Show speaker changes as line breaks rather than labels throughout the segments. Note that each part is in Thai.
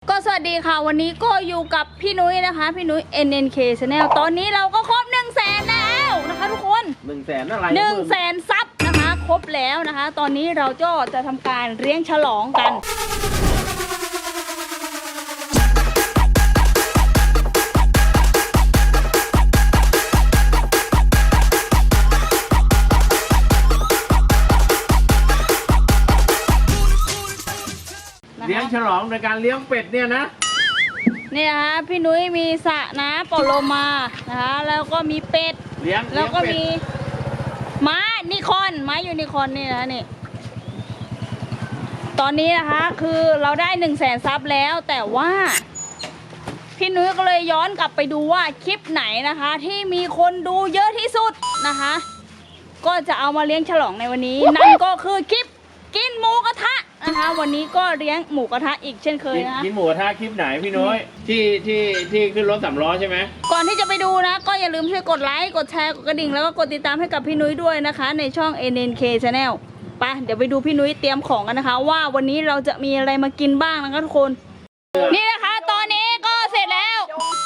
ก็สวัสดีค่ะวันนี้ก็อยู่กับพี่นุ้ยนะคะพี่นุ้ย NNK Channel ตอนนี้เราก็ครบ100,000แล้วนะคะทุกคน
100,000อะไร
100,000 ซับนะคะครบแล้วนะคะตอนนี้เราก็จะทำการเลี้ยงฉลองกัน
เลี้ยงฉลองในการเลี้ยงเป็ดเนี่ยนะ
นี่นะคะพี่นุ้ยมีสระน้ำโปโลมานะคะแล้วก็มีเป็ดแล้วก็มีม้านิคอนม้ายูนิคอนนี่นะนี่ตอนนี้นะคะคือเราได้100,000 ซับแล้วแต่ว่าพี่นุ้ยก็เลยย้อนกลับไปดูว่าคลิปไหนนะคะที่มีคนดูเยอะที่สุดนะคะก็จะเอามาเลี้ยงฉลองในวันนี้นั่นก็คือคลิปกินหมูกระทะนะคะวันนี้ก็เลี้ยงหมูกระทะอีกเช่นเคยนะ
กินหมูกระทะคลิปไหนพี่น้อยที่ขึ้นรถ3 ล้อใช่ไหม
ก่อนที่จะไปดูนะก็อย่าลืมช่วยกดไลค์กดแชร์กดกระดิ่งแล้วก็กดติดตามให้กับพี่นุ้ยด้วยนะคะในช่อง NNK Channel ไปเดี๋ยวไปดูพี่นุ้ยเตรียมของกันนะคะว่าวันนี้เราจะมีอะไรมากินบ้างนะคะทุกคนนี่นะคะตอนนี้ก็เสร็จแล้ว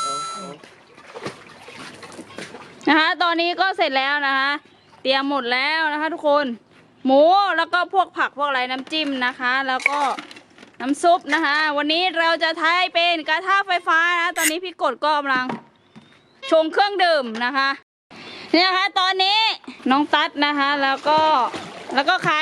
นะคะตอนนี้ก็เสร็จแล้วนะคะเตรียมหมดแล้วนะคะทุกคนหมูแล้วก็พวกผักพวกอะไรน้ำจิ้มนะคะแล้วก็น้ำซุปนะคะวันนี้เราจะใช้เป็นกระทะไฟฟ้านะตอนนี้พี่กดก็กำลังชงเครื่องดื่มนะคะนี่นะคะตอนนี้น้องตั๊ดนะคะแล้วก็ใคร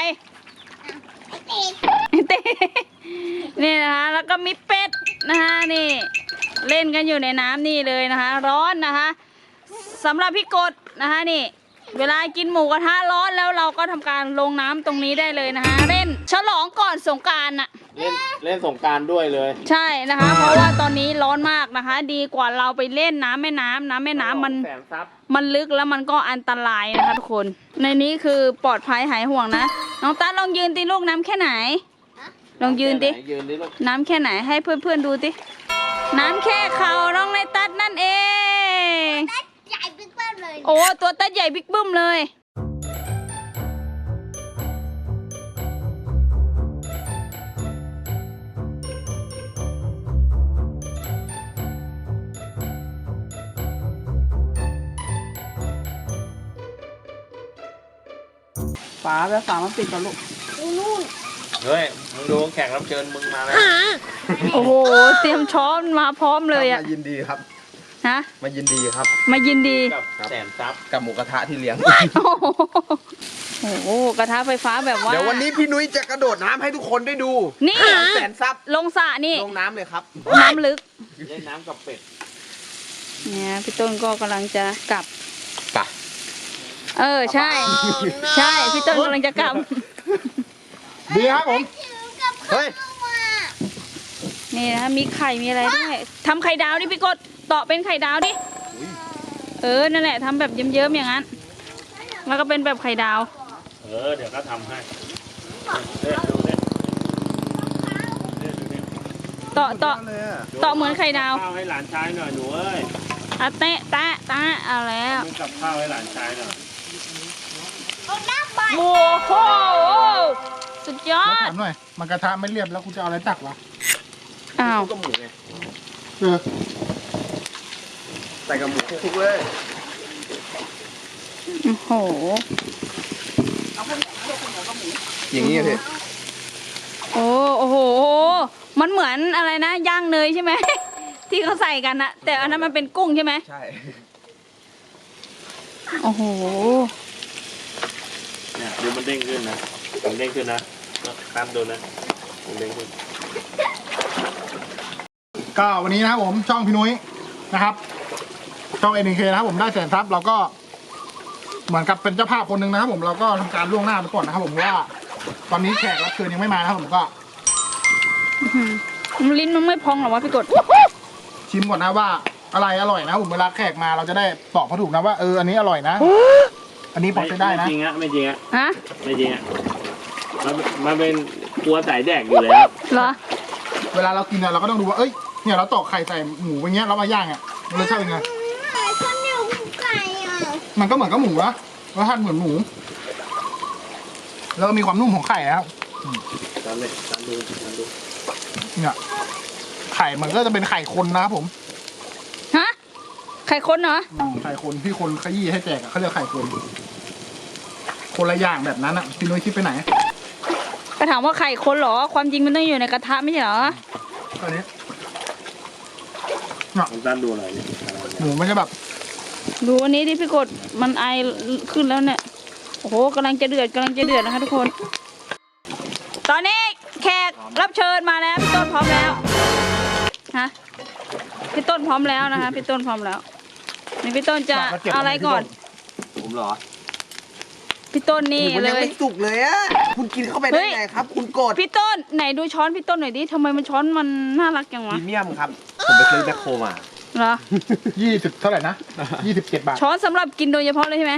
เต้นี่นะคะแล้วก็มีเป็ดนะคะนี่เล่นกันอยู่ในน้ำนี่เลยนะคะร้อนนะคะสำหรับพี่กดนะคะนี่เวลากินหมูกระทะร้อนแล้วเราก็ทำการลงน้ำตรงนี้ได้เลยนะคะเล่นฉลองก่อนสงกรานต์น่ะ
เล่นสงกรานต์ด้วยเลย
ใช่นะคะเพราะว่าตอนนี้ร้อนมากนะคะดีกว่าเราไปเล่นน้ำแม่น้ำมันลึกแล้วมันก็อันตรายนะคะทุกคนในนี้คือปลอดภัยหายห่วงนะน้องตั๊ดลองยืนตีลูกน้ำแค่ไหนลองยืนดิน้ำแค่ไหนให้เพื่อนๆดูดิน้ำแค่เข่าน้องในตั๊ดนั่นเอง
ใหญ่บิ๊กเบิ้มเลย
โอ้ตัวตั๊ดใหญ่บิ๊กบึ้มเลย
ฝาแล้วฝามันปิดก่อนลูก
นู่น
เฮ้ยมึงดูแขกรับเชิญมึงมาแล้ว
โอ้โหเตรียมช้อนมาพร้อมเลยอะ
มายินดีครับ
ฮะ
มายินดีครับ
มายินดี
กับ100,000 ซับ
กับหมูกระทะที่เลี้ยง
โอ้โหกระทะไฟฟ้าแบบว่า
เดี๋ยววันนี้พี่นุ้ยจะกระโดดน้ำให้ทุกคนได้ดู
นี่
100,000 ซับ
ลงสระนี่
ลงน้ำเลยครับ
น้ำลึก
เล่นน้ำกับเป็ด
เนี่ยพี่ต้นก็กำลังจะกลับ
ปะ
ใช่ใช่พี่ต้นกำลังจะกลับ
ดีครับผมเฮ้ย
นี่นะมีไข่มีอะไรด้วยทำไข่ดาวดิพี่กดต่อเป็นไข่ดาวดินั่นแหละทำแบบเยิ้มๆอย่างนั้นแล้วก็เป็นแบบไข่ดาว
เดี๋ยวก็ทำให้
ต่อเหมือนไข่ดาว
ข้าวให้หลานชายหน่อยหนูเอ้ย
เตะเอาแล้ว
กับข้าวให้หลานชายหน่อย
โอ้โหสุดยอด
ถามหน่อยมันกระทะไม่เรียบแล้วคุณจะเอาอะไรตักวะ
อ้าว
ก็หมูไงใส่กับหมูคลุกเลย
โอ้โห
อย่างนี้พี่
โอ้โหมันเหมือนอะไรนะย่างเนยใช่ไหมที่เขาใส่กันนะแต่อันนั้นมันเป็นกุ้งใช่ไหม
ใช่
โอ้โห
เนี่ยเดี๋ยวมันเด้งขึ้นนะมันเด้งขึ้นนะตามดูนะมันเด้งขึ้น
ก็วันนี้นะครับผมช่องพี่นุ้ยนะครับช่อง NNK นะครับผมได้100,000 ซับเราก็เหมือนกับเป็นเจ้าภาพคนหนึ่งนะครับผมเราก็ทำการล่วงหน้าไปก่อนนะครับผมว่าตอนนี้แขกรับเชิญยังไม่มานะครับผมก็
ลิ้นมันไม่พองหรอวะพี่กด
ชิมก่อนนะว่าอะไรอร่อยนะผมเวลาแขกมาเราจะได้ตอบเขาถูกนะว่าอันนี้อร่อยนะอันนี้พอจะได้นะ
ไม่จริงอะไม่จริงอะ
ฮะ
ไม่จริงอะมันเป็นกลัวสายแดกอยู่แล้ว
เหรอ
เวลาเรากินเนี่ยเราก็ต้องดูว่าเนี่ยเราตอกไข่ใส่หมูอย่างเงี้ยเรามาย่างอ่ะรสชาติเป็นไง
ข้าวเหนียวไก่อ่ะ
มันก็เหมือนกับหมูนะรสชาติเหมือนหมูแล้วก็มีความนุ่มของไข่แล้ว
ตามดู
เนี่ยไข่ข่มันก็จะเป็นไข่คนนะครับผม
ฮะไข่คนเหรอ
ไข่คนที่คนขยี้ให้แจกอะเขาเรียกไข่คน คนละอย่างแบบนั้นอ่ะพี่นุ้ยคิดไปไหน
ก็ถามว่าไข่คนเหรอความจริงมันต้องอยู่ในกระทะไม่ใช่เหรอ
ตอนนี้
น้องตันดูอะไรเนี่ย
หมูมันจะแบบ
ดูอันนี้ที่พี่กดมันไอขึ้นแล้วเนี่ยโอ้โหกำลังจะเดือดนะคะทุกคน ตอนนี้แขกรับเชิญมาแล้วพี่ต้นพร้อมแล้วฮะพี่ต้นพร้อมแล้วนะคะพี่ต้นพร้อมแล้วนี่พี่ต้นจะเอาอะไรก่อน
ผมเหรอ
พี่ต้นนี่
มัน
เล
ยัง
ย
ไม่สุกเลยอะคุณกินเข้าไป
เฮ้
ได้
ย
ไงครับ คุณกด
พี่ต้นไหนดูช้อนพี่ต้นหน่อยดิทำไมมันช้อนมันน่ารักจัง
พ
วะ
รีเมียมครับ ผมไปซื้อแบคโคมา
เหรอ
20เท่าไหร่นะ27 บาท
ช้อนสำหรับกินโดยเฉพาะเลยใช่ไหม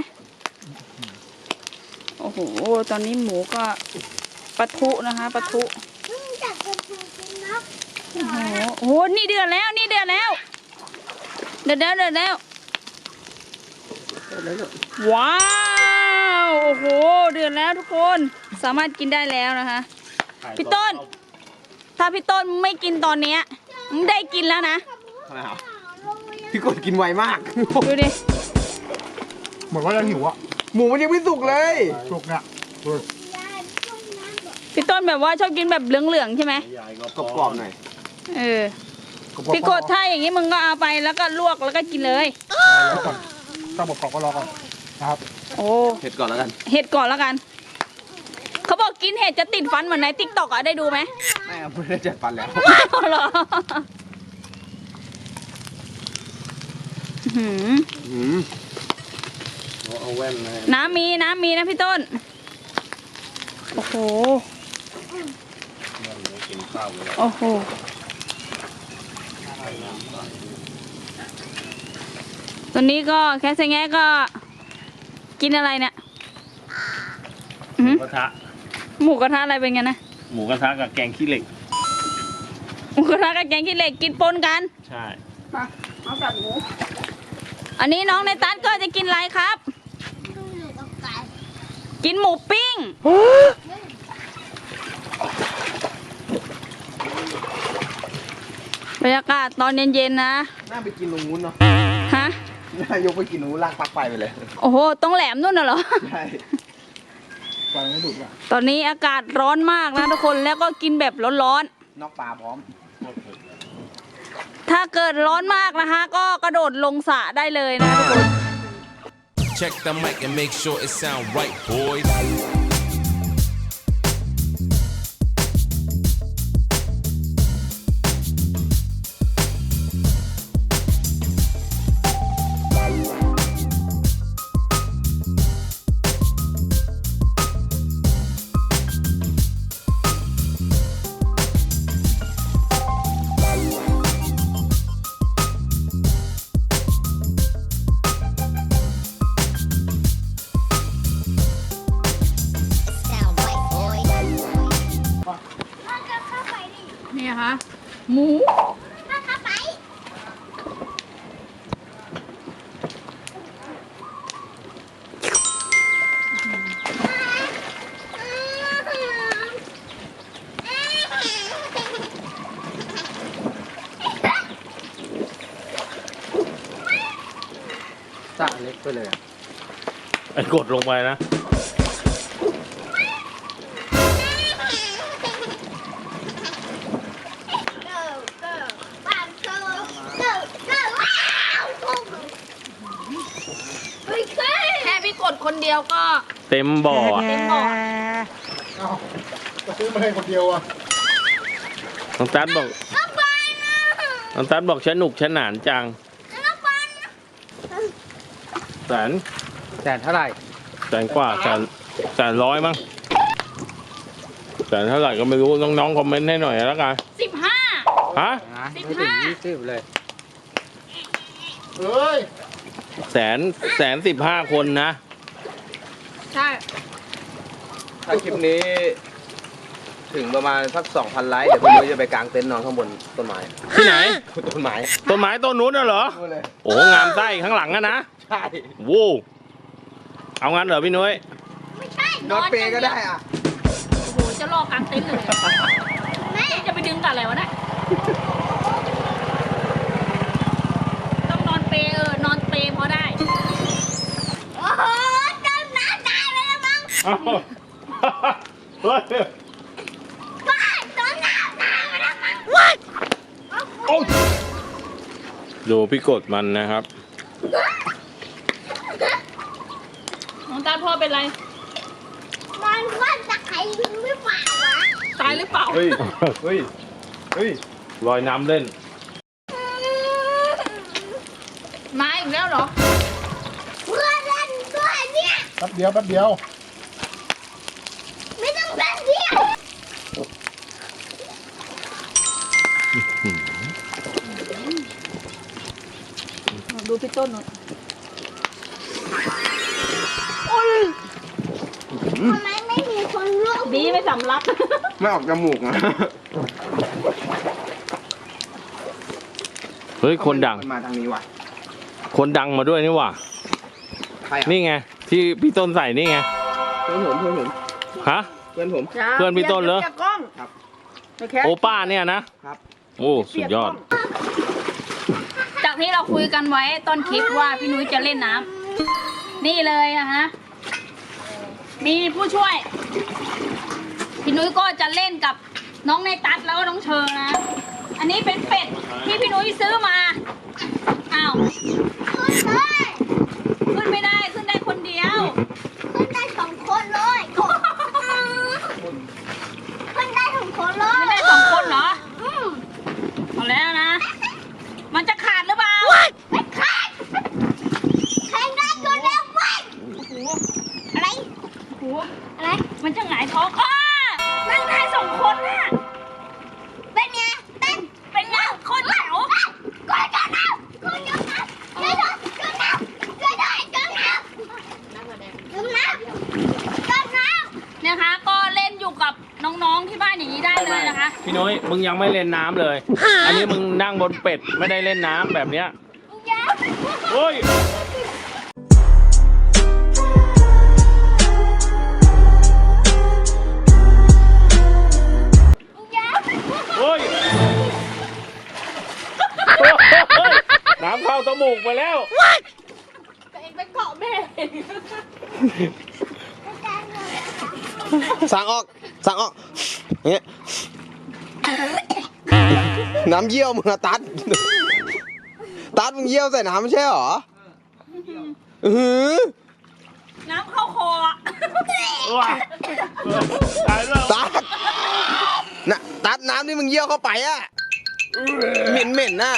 โอ้โหตอนนี้หมูก็ปะทุนะคะปะทุ
จับเป็นกินนะ
โอ้โหนี่เดือดแล้วเดือดแล้วว้าวโอ้โหเดือดแล้วทุกคนสามารถกินได้แล้วนะคะ พี่ต้น ถ้าพี่ต้นไม่กินตอนเนี้ยมึงได้กินแล้วนะ
พี่กดกินไวมาก
ดูดิ
เหมือนว่าจะหิวอ่ะ
หมูมันยังไม่สุกเลย
สุกเนี่ย
พี่ต้นแบบว่าชอบกินแบบเหลืองๆใช่ไหม
ใหญ่ก็
กรอบๆหน่อย
เออพี่กดถ้าอย่างนี้มึงก็เอาไปแล้วก็ลวกแล้วก็กินเลย
รอก่อนถ้าบอกก็รอก่อนนะครับ
โอ้
เผ็ดก่อนแล้วกัน
เห็ดก่อนแล้วกัน เขาบอกกินเห็ดจะติดฟันเหมือนในติ๊กต็อกอะได้ดูไหม
ไม่เอาไม่ได้จัดฟันแล้ว
อ้าวเหรออื้อหือ
อืม
เอาแว่นมา
น้ำมีนะพี่ต้น โอ้โห
กินข้าวเลย
โอ้โห ตอนนี้ก็แค่เซงแงะก็กินอะไรเนี่ย
หมูกระทะ
หมูกระทะอะไรเป็นไงนะ
หมูกระทะกับแกงขี้เหล็ก
หมูกระทะกับแกงขี้เหล็กกินปนกัน
ใช่
เอากับหมู อันนี้น้องในตันก็จะกินอะไรครับ
ดูอยู่กับไก่
กินหมูปิ้ง บรรยากาศตอนเย็นๆนะ
น่าไปกินตรงนู้นเนาะ
ฮะ
น่ายกไปกินตรงนู้นลากปลั๊กไฟไปเลย
โอ้โหต้องแหลมนู่นน่ะเหรอ
ใช่
ไฟไม่ดุอ่ะ
ตอนนี้อากาศร้อนมากนะทุกคนแล้วก็กินแบบร้อน
นอกปลาพร้อม
ๆ ถ้าเกิดร้อนมากนะคะ ก็กระโดดลงสระได้เลยนะทุกคน
Check the mic and make sure it sound right, boys.
sound white boy มันจะเข้าไปดิ
นี่ค่ะหมู
มันเข้าไป
สระเล็กไปเลยอะ
ไอ้กดลงไปนะ
go go บ้าน go go go ว้าวเฮ้ยเคย
แค่พี่กดคนเดียวก็
เต็มบ่ออะ
เต็มบ่อ
เอาจะซื้อมาให้คนเดียวอ่ะ
น้องตันบอก
น้องบอลนะ
น้องตันบอกฉันหนุกฉันหนานจัง
น้องบอลนะ
แสน
แสนเท่าไหร่
แสนกว่าแสนร้อยมั้งแสนเท่าไหร่ก็ไม่รู้น้องๆคอมเมนต์ให้หน่อยแล้วกัน
15
ฮะ
ไม่ถึง20เลย
เอ้ย
แสน15 คนนะ
ใช่
ถ้าคลิปนี้ ถึงประมาณสัก 2,000 ไลค์ เดี๋ยวพี่นุ้ยจะไปกางเต็นท์นอนข้างบนต้นไม้
ที่ไหน
ต้นไม้
ต้นไม้ต้นนู้นน่ะเหรอ
นู่นเลย
โอ้งามไส้ข้างหลังอะนะ
ใช่
วู้เอางั้นเหรอพี่นุ้ย
ไม่ใช่
นอนเปรย์ก็ได้อ่ะ
โอ้โหจะรอกลางเต็นท์เลยแม่จะไปดึงกับอะไรวะเนี่ย
เฮ้ย
บ้าตอนน้ำน้ำมันทำไม
โอ้ยดูพี่กดมันนะครับ
น้องตาพ่อเป็นไร
มันว่าจะใครไม่ฝ่าวะ
ตายหรือเปล่า
เฮ้ย เฮ้ย เฮ้ย
ลอยน้ำเล่น
มาอีกแล้วเหรอ
เพื่อนเล่นด้วยเนี่ย
แป๊บเดียวแป๊บเดียว
ไม่ต้องเล่นเดียว
ดูพี่ต้นหน่อย
ทำไมไม่มีคนร่วม
ดีไม่สำลัก
ไม่ออกจมูกนะ
เฮ้ยคนดัง
มาทางนี้ว่ะ
คนดังมาด้วยนี่หว่า
ใครอ่ะ
นี่ไง ที่พี่ต้นใส่นี่ไง
เพื่อนผมเพื่อนผม
ฮะ
เพื่อนผม
เพื่อนพี่ต้นเหรอ
ครับ
โอป้าเนี่ยนะครับ โอ้สุดยอด
จากที่เราคุยกันไว้ต้นคลิปว่าพี่นุ้ยจะเล่นน้ำนี่เลยอะฮะ มีผู้ช่วย พี่นุ้ยก็จะเล่นกับน้องในตัดแล้วก็น้องเชอนะ อันนี้เป็นเป็ดที่พี่นุ้ยซื้อมา อ้าว
ขึ้นเลย
ขึ้นไม่ได้ ขึ้นได้คนเดียว
ขึ้นได้สองคนเลยขึ้นได้สองคนเล
ขึ้น
ย
ได้สองคนเหรอเอาแล้วนะ มันจะขาดหรือเปล่า
ไม่ขาดแข่งได้จนแล้วไปอะไร
โอ้โห
อะไร
มันจะหงายท้องอ้านั่งได้สองคนน่ะ
เป็นไงเต้น
เป็นไงคนแถว
กูจะน้ำกูจะน้ำช่วยด้วยช่วยน้ำช่วยด้วยช่วยน้ำช่วยน้ำช่วยน้ำ
นะคะ ก็เล่นอยู่กับน้องๆที่บ้านอย่างนี้ได้เลยนะคะ
พี่นุ้ยมึงยังไม่เล่นน้ำเลย อันนี้มึงนั่งบนเป็ดไม่ได้เล่นน้ำแบบเนี้ยโอ้ยโอ้ยโอ้ยน้ำเข้าจมูกไปแล้ว
สั่งออก สั่งออกเนี่ยน้ำเยี่ยวมึงอะตัด ตัดมึงเยี่ยวใส่น้ำไม่ใช่หรอหือ
น้ำเข้าคออะ
ว้าตายแล้ว
ตัดน่ะตัดน้ำที่มึงเยี่ยวเข้าไปอะเหม็นเหม็นๆน่ะ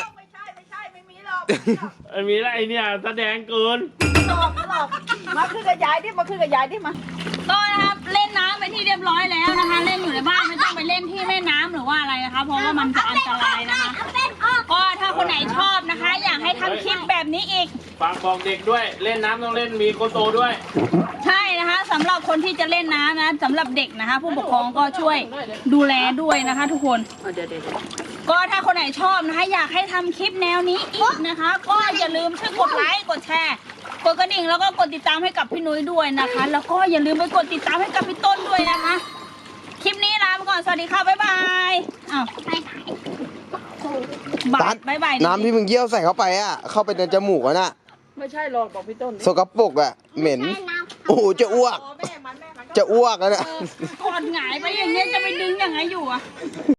ไอ้มีอะไรเนี่ยแสดงเกิน
มาขึ้นกับยายดิมาขึ้นกับยายดิมา
ก็นะครับเล่นน้ำไปที่เรียบร้อยแล้วนะคะ เล่นอยู่ในบ้านไม่ต้องไปเล่นที่แม่น้ำหรือว่าอะไรนะคะ เพราะว่ามันจะอันตรายนะคะ
เอาเป็นออก
ก็ถ้าคนไหนชอบนะคะ อยากให้ทำคลิปแบบนี้อีก
ฝากบอกเด็กด้วย เล่นน้ำต้องเล่นมีโกโตด้วย
ใช่นะคะสำหรับคนที่จะเล่นน้ำนะสำหรับเด็กนะคะ ผู้ปกครองก็ช่วยดูแลด้วยนะคะ ทุกคน
เดี๋ยว
ก็ถ้าคนไหนชอบนะคะ อยากให้ทำคลิปแนวนี้อีกนะคะ ก็อย่าลืมช่วยกดไลค์กดแชร์กดกระดิ่งแล้วก็กดติดตามให้กับพี่นุ้ยด้วยนะคะ แล้วก็อย่าลืมไปกดติดตามให้กับพี่ต้นด้วยนะคะ คลิปนี้ลาไปก่อนสวัสดีค่ะบ๊ายบายอ้าว
ไปไหน
ตัด
บ๊ายบาย
น้ำที่มึงเยี่ยวใส่เข้าไปอะเข้าไปในจมูกอะน่ะ
ไม่ใช่หรอกบอกพี่ต้นดิ
สกปรกอะเหม็น
ไปน้ำ
โอ้โหจะอ้วก
แม่มันก็
จะอ้วกแล้วเนี่ย
กอดหงายไปอย่างเงี้ยจะไปดึงยังไงอยู่อะ